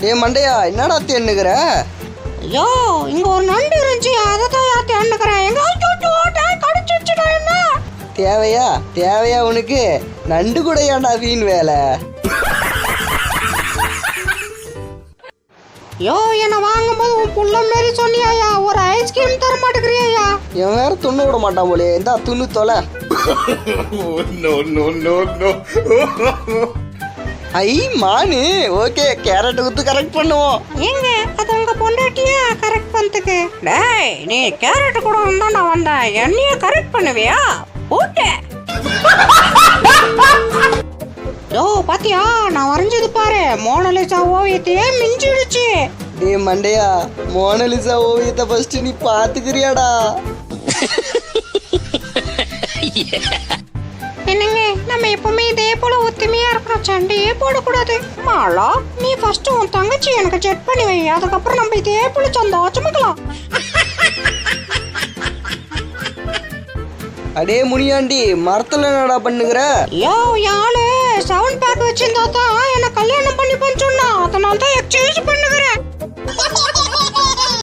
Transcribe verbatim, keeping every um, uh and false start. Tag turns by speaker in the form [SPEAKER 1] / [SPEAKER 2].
[SPEAKER 1] ஏ மண்டையா என்னடா தேன்னுக்கிற?
[SPEAKER 2] ஐயோ இங்க ஒரு நண்டு இருந்துச்சு, அதை தான் யார் தேன்னுக்கிறேன். எங்க கடிச்சிச்சுடா. என்ன
[SPEAKER 1] தேவையா தேவையா உனக்கு? நண்டு கூட ஏன்டா வீண் வேலை?
[SPEAKER 2] யோ என்ன வாங்கும்போது உன் புள்ள மாரி சொன்னியாயா, ஒரு ஐஸ்கிரீம் தர மாட்டேங்கிறியா?
[SPEAKER 1] என் வேற துண்ணு விட மாட்டான் போலே. இந்தா துண்ணு தொலை. ஐ மானு. ஓகே கேரட் ஊத்து கரெக்ட் பண்ணுவோம்.
[SPEAKER 2] ஏங்க அது உங்க பொண்டாட்டியா கரெக்ட் பண்ணதுக்கு? டேய் நீ கேரட் கூட வந்தா நான் வந்தேன், என்னைய கரெக்ட் பண்ணுவியா? ஓகே. யோ பாத்தியா நான் வரைஞ்சது பாரு, மோனலிசா ஓவியத்தையே மிஞ்சிடுச்சு.
[SPEAKER 1] டே மண்டையா, மோனலிசா ஓவியத்தை ஃபர்ஸ்ட் நீ பாத்துக்கிறியாடா?
[SPEAKER 2] என்னங்க நம்ம எப்பவுமே இதே போல ஒத்துமையா இருக்கணும், சண்டையே போடக்கூடாது. மாலா நீ ஃபர்ஸ்ட் உன் தங்கச்சி எனக்கு செட் பண்ணி வை, அதுக்கப்புறம் நம்ம இதே போல சந்தோஷமாக்கலாம்.
[SPEAKER 1] அடே முனியாண்டி, மரத்துல என்னடா பண்ணுகிற?
[SPEAKER 2] யோ யாழு சவுண்ட் பேக் வச்சிருந்தா தான் என்ன கல்யாணம் பண்ணி சொன்னா, அதனால தான் எக்ஸ்சேஞ்ச் பண்ணுகிறேன்.